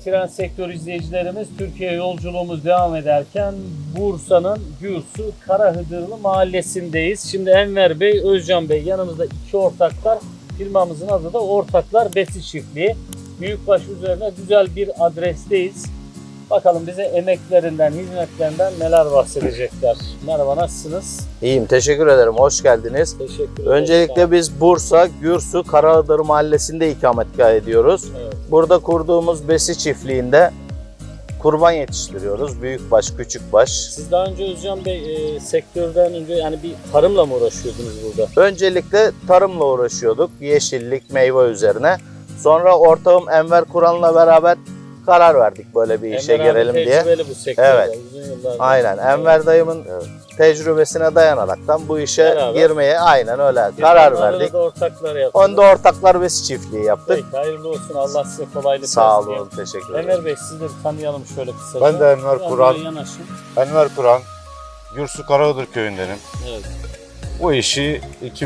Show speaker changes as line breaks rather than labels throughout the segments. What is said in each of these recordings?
Tren Sektör izleyicilerimiz, Türkiye yolculuğumuz devam ederken Bursa'nın Gürsu Karahıdırlı mahallesindeyiz. Şimdi Enver Bey, Özcan Bey yanımızda, iki ortaklar. Firmamızın adı da Ortaklar Besi Çiftliği. Büyükbaş üzerine güzel bir adresteyiz. Bakalım bize emeklerinden, hizmetlerinden neler bahsedecekler. Merhaba, nasılsınız?
İyiyim, teşekkür ederim. Hoş geldiniz.
Teşekkür ederim.
Öncelikle biz Bursa, Gürsu, Karahıdır mahallesinde ikametgah ediyoruz.
Evet.
Burada kurduğumuz besi çiftliğinde kurban yetiştiriyoruz. Büyükbaş, küçükbaş.
Siz daha önce Özcan Bey sektörden önce yani bir tarımla mı uğraşıyordunuz burada?
Öncelikle tarımla uğraşıyorduk. Yeşillik, meyve üzerine. Sonra ortağım Enver Kur'an'la beraber karar verdik böyle bir işe
Enver abi
girelim diye.
tecrübeli bu sektörde.
Evet.
Uzun yıllardır.
Aynen. Enver dayımın tecrübesine dayanaraktan bu işe
Beraber.
girmeye aynen öyle karar verdik.
Da ortaklar yaptık.
Onda ortaklar besi çiftliği yaptık.
Peki, hayırlı olsun. Allah size kolaylık
Sağ
versin.
olun, teşekkür ederim.
Enver Bey, sizi de bir tanıyalım şöyle kısaca.
Ben de Enver
Biraz
Kur'an.
böyle yanaşın.
Enver Kur'an, Gürsu Karahıdır köyündenim.
Evet.
Bu işi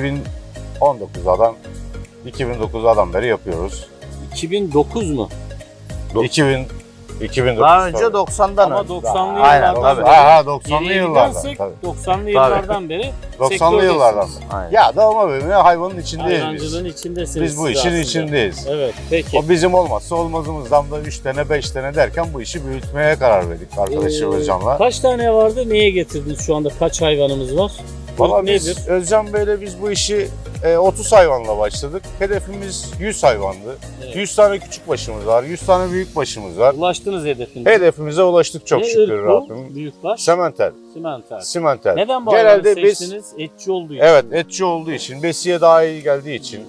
2009'dan beri yapıyoruz.
2009 mu?
2009.
Daha önce 90'dan
Ama
önce.
90'lı
Aynen,
yıllardan
tabii.
beri.
90'lı
Geriye
yıllardan.
gidersek
Tabii.
90'lı yıllardan beri
90'lı
sektördesiniz.
yıllardan beri.
Aynen.
Ya doğma büyüme hayvanın içindeyiz
Hayvancılığın
biz.
içindesiniz.
Biz bu
siz
işin
aslında.
içindeyiz.
Evet, peki.
O bizim olmazsa olmazımızdan da 3 tane 5 tane derken bu işi büyütmeye karar verdik arkadaşım Özcan'la.
Kaç tane vardı? Neye getirdiniz şu anda? Kaç hayvanımız var?
Valla
Nedir?
biz Özcan Bey'le biz bu işi 30 hayvanla başladık. Hedefimiz 100 hayvandı.
Evet.
100 tane küçük başımız var, 100 tane büyük başımız var.
Ulaştınız hedefinize.
Hedefimize ulaştık çok
Ne
şükür
ırk bu?
Rabbim.
Büyükbaş.
Sementer,
Simenter.
simenter.
Neden bu hayvanı
Genelde biz
seçtiniz? Etçi olduğu için.
evet etçi olduğu için, besiye daha iyi geldiği için,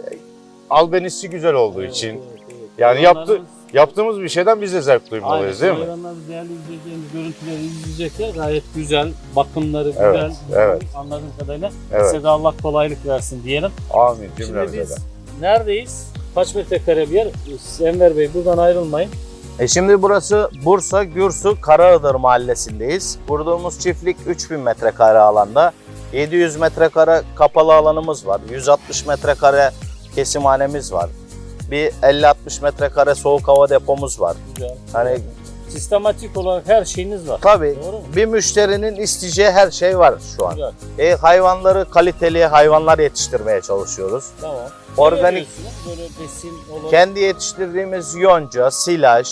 albenisi güzel olduğu
Evet,
için.
evet.
Yani
Hayvanlarımız-
yaptığımız bir şeyden biz de zevk duymalıyız değil mi?
Hayvanlar değerli izleyeceğimiz görüntüleri izleyecekler. Gayet güzel. Bakımları
Evet,
güzel.
evet.
Anladığım kadarıyla.
Evet.
Size de Allah kolaylık versin diyelim.
Amin
Şimdi
cümlemize
biz
de.
neredeyiz? Kaç metrekare bir yer? Enver Bey, buradan ayrılmayın.
Şimdi burası Bursa, Gürsu, Karahıdır mahallesindeyiz. Kurduğumuz çiftlik 3000 metrekare alanda. 700 metrekare kapalı alanımız var. 160 metrekare kesimhanemiz var. Bir 50-60 metrekare soğuk hava depomuz var.
Güzel.
Hani
Sistematik olarak her şeyiniz var.
tabii
Doğru mu?
bir müşterinin isteyeceği her şey var şu an.
Güzel.
Hayvanları kaliteli hayvanlar yetiştirmeye çalışıyoruz.
Tamam.
Organik-
Ne veriyorsunuz? Böyle besin olarak.
Kendi yetiştirdiğimiz yonca, silaj,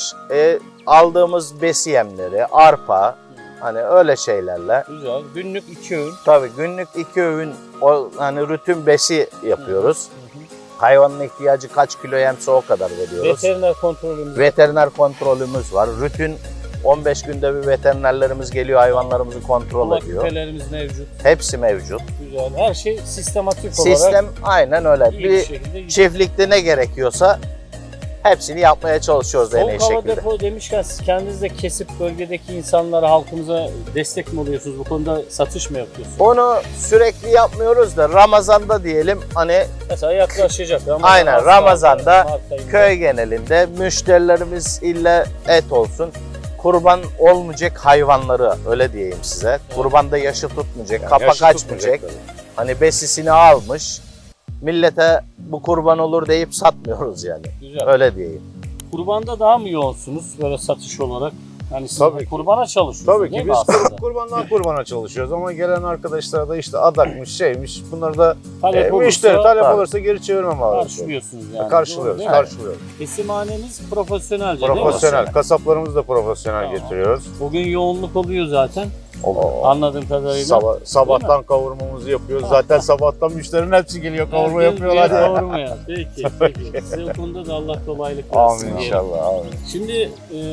aldığımız besi yemleri, arpa, hani öyle şeylerle.
Güzel. Günlük 2 öğün.
Tabii günlük 2 öğün hani rutin besi yapıyoruz.
Hı hı.
Hayvanın ihtiyacı kaç kilo yemse o kadar veriyoruz.
Veteriner kontrolümüz.
Veteriner kontrolümüz var. Rutin 15 günde bir veterinerlerimiz geliyor, hayvanlarımızı kontrol
Kulak
ediyor.
küpelerimiz mevcut.
Hepsi mevcut.
Güzel. Her şey sistematik olarak
Sistem aynen öyle.
iyi bir
Bir
şekilde gidiyor.
çiftlikte ne gerekiyorsa hepsini yapmaya çalışıyoruz en iyi
Soğuk hava
şekilde.
depo demişken siz kendiniz de kesip bölgedeki insanlara, halkımıza destek mi oluyorsunuz? Bu konuda satış mı yapıyorsunuz?
Onu sürekli yapmıyoruz da Ramazan'da diyelim hani
Mesela yaklaşacak. Ramazan
Aynen,
az
Ramazan'da
kaldı, Mart ayında.
köy genelinde müşterilerimiz illa et olsun. Kurban olmayacak hayvanları öyle diyeyim size. Kurbanda yaşı tutmayacak,
Yani
kapak
yaşı
açmayacak.
tutmayacak
Hani besisini almış. Millete bu kurban olur deyip satmıyoruz yani.
Güzel.
Öyle diyeyim.
Kurbanda daha mı yoğunsunuz böyle satış olarak? Yani siz
Tabii ki.
kurbana çalışıyorsunuz
Tabii
değil
ki
mi
biz
aslında?
kurbandan kurbana çalışıyoruz ama gelen arkadaşlar da işte adakmış şeymiş bunları da
Talep
müşteri
olursa
talep
tabii.
olursa geri çevirmem lazım.
karşılıyorsunuz yani.
Karşılıyoruz,
Doğru değil mi?
karşılıyoruz.
Kesimhaneniz profesyonelce değil mi?
Profesyonel, kasaplarımızı da profesyonel
Tamam.
getiriyoruz.
Bugün yoğunluk oluyor zaten.
O-
Anladığım kadarıyla.
sabahtan kavurmamızı yapıyoruz. Zaten sabahtan müşterinin hepsi geliyor kavurma
Herkes
yapıyorlar.
bir kavurmaya. Peki, peki. Size o konuda da Allah kolaylık versin.
Amin
diyelim.
inşallah. Amin.
Şimdi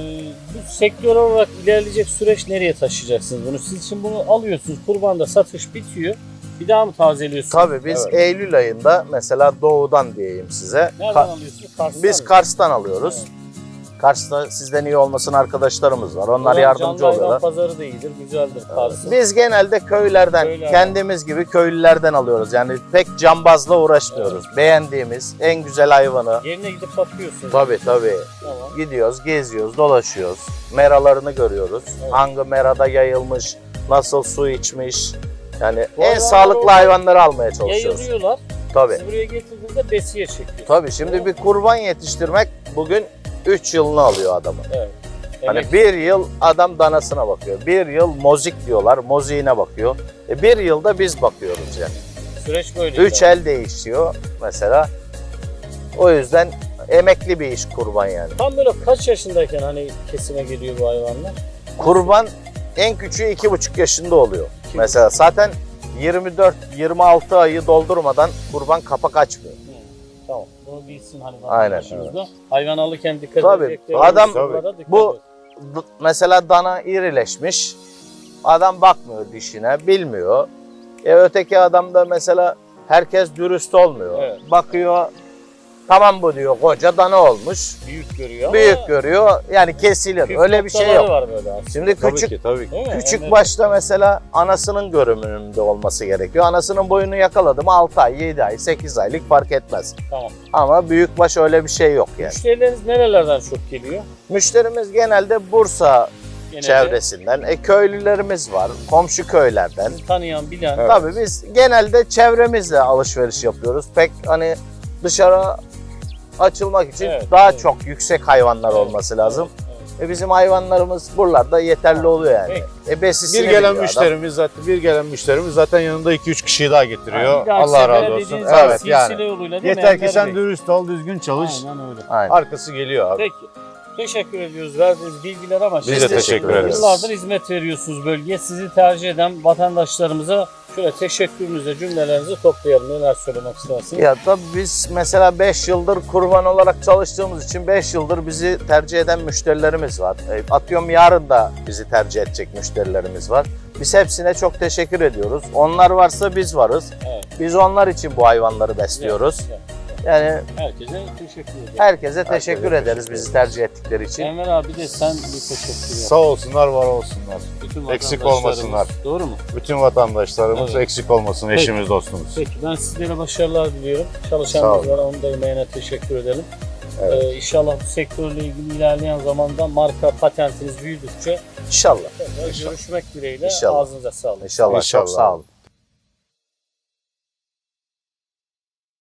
bu sektör olarak ilerleyecek süreç nereye taşıyacaksınız bunu? Siz için bunu alıyorsunuz, kurbanda satış bitiyor. Bir daha mı tazeliyorsunuz?
Tabii biz
Evet.
Eylül ayında mesela doğudan diyeyim size.
Nereden alıyorsunuz? Kars'tan
Biz
mı?
Kars'tan alıyoruz.
Evet.
Kars'ta sizden iyi olmasın arkadaşlarımız var. Onlar
Ulan
yardımcı
canlı hayvan
oluyorlar.
pazarı da iyidir, güzeldir Kars'ın.
Biz genelde köylerden, kendimiz gibi köylülerden alıyoruz. Yani pek cambazla uğraşmıyoruz. Beğendiğimiz en güzel hayvanı.
Yerine gidip bakıyorsunuz.
Tabii.
Tamam.
Gidiyoruz, geziyoruz, dolaşıyoruz. Meralarını görüyoruz.
Evet.
Hangi merada yayılmış, nasıl su içmiş. Yani
Bu
en
hayvanlar
sağlıklı
orada
hayvanları almaya çalışıyoruz.
Yayılıyorlar.
Tabii.
Siz buraya getirdiğinizde besiye çekiyorsunuz.
Tabii şimdi bir kurban yetiştirmek bugün 3 yılını alıyor adamın.
Evet.
Hani
Emek-
1 yıl adam danasına bakıyor. 1 yıl mozik diyorlar, moziğine bakıyor. 1 yılda biz bakıyoruz yani.
süreç böyle.
3 el değişiyor mesela. O yüzden emekli bir iş kurban yani.
Tam böyle kaç yaşındayken hani kesime geliyor bu hayvanlar?
Kurban en küçüğü 2,5 yaşında oluyor. Mesela zaten 24-26 ayı doldurmadan kurban kapak açmıyor.
Tamam. Bunu bilsin hani
Aynen,
vatandaşımız da. Hayvan alırken dikkat
Tabii,
edecekleri
adam-
unsurlara dikkat
bu-
edin.
Mesela dana irileşmiş. Adam bakmıyor dişine, bilmiyor. Öteki adam da mesela herkes dürüst olmuyor.
Evet.
Bakıyor, tamam bu diyor, koca dana olmuş.
Büyük görüyor
Büyük
ama
görüyor, yani kesilir.
püf
Öyle bir şey
noktaları
yok.
var böyle aslında.
Şimdi
Tabii
küçük
ki tabii ki.
Değil mi?
küçük
Emre?
başta mesela anasının görünümünde olması gerekiyor. Anasının boyunu yakaladı mı 6 ay, 7 ay, 8 aylık fark etmez.
Tamam.
Ama büyükbaş öyle bir şey yok yani.
Müşterileriniz nerelerden çok geliyor?
Müşterimiz genelde Bursa
Genelde
çevresinden, köylülerimiz var, komşu köylerden.
tanıyan, bilen.
Evet.
Tabii biz genelde çevremizle alışveriş yapıyoruz. Pek hani dışarı açılmak için
Evet,
daha
evet.
çok yüksek hayvanlar
Evet,
olması lazım.
evet.
Bizim hayvanlarımız buralarda yeterli oluyor yani. Besisini
Bir gelen
biliyor
müşterimiz zaten yanında 2-3 kişiyi daha getiriyor.
Bir dahaki
Allah
sefere
razı olsun.
dediğiniz gibi
Evet yani.
silsile yoluyla değil mi
Yeter ki
Enver
sen
Bey?
dürüst ol, düzgün çalış.
Aynen öyle.
adam. Aynen.
Arkası geliyor abi.
Peki. Teşekkür ediyoruz verdiğiniz bilgiler ama
Biz de teşekkür ederiz.
Yıllardır hizmet veriyorsunuz bölgeye. Sizi tercih eden vatandaşlarımıza şöyle teşekkürünüzü, cümlelerinizi toplayalım. Neler söylemek istersiniz?
Ya tabii biz mesela 5 yıldır kurban olarak çalıştığımız için 5 yıldır bizi tercih eden müşterilerimiz var. Atıyorum yarın da bizi tercih edecek müşterilerimiz var. Biz hepsine çok teşekkür ediyoruz. Onlar varsa biz varız.
Evet.
Biz onlar için bu hayvanları besliyoruz.
Güzel, güzel.
Yani
Herkese teşekkür ederim.
herkese teşekkür
Herkese
ederiz
teşekkür
bizi tercih ettikleri için.
Enver abi de sen bir teşekkür yap.
Sağ olsunlar, var olsunlar.
Bütün
Eksik
vatandaşlarımız.
olmasınlar.
Doğru mu?
Bütün vatandaşlarımız
Evet.
eksik olmasın,
Peki.
eşimiz, dostumuz.
Peki ben sizlere başarılar diliyorum.
Sağ
Çalışanlarımız
olun.
var, onun da emeğine teşekkür edelim.
Evet.
İnşallah bu sektörle ilgili ilerleyen zamanda marka patentiniz büyüdükçe
İnşallah.
tekrar görüşmek dileğiyle.
İnşallah.
Ağzınıza sağlık.
İnşallah.
İnşallah.
Çok sağ olun.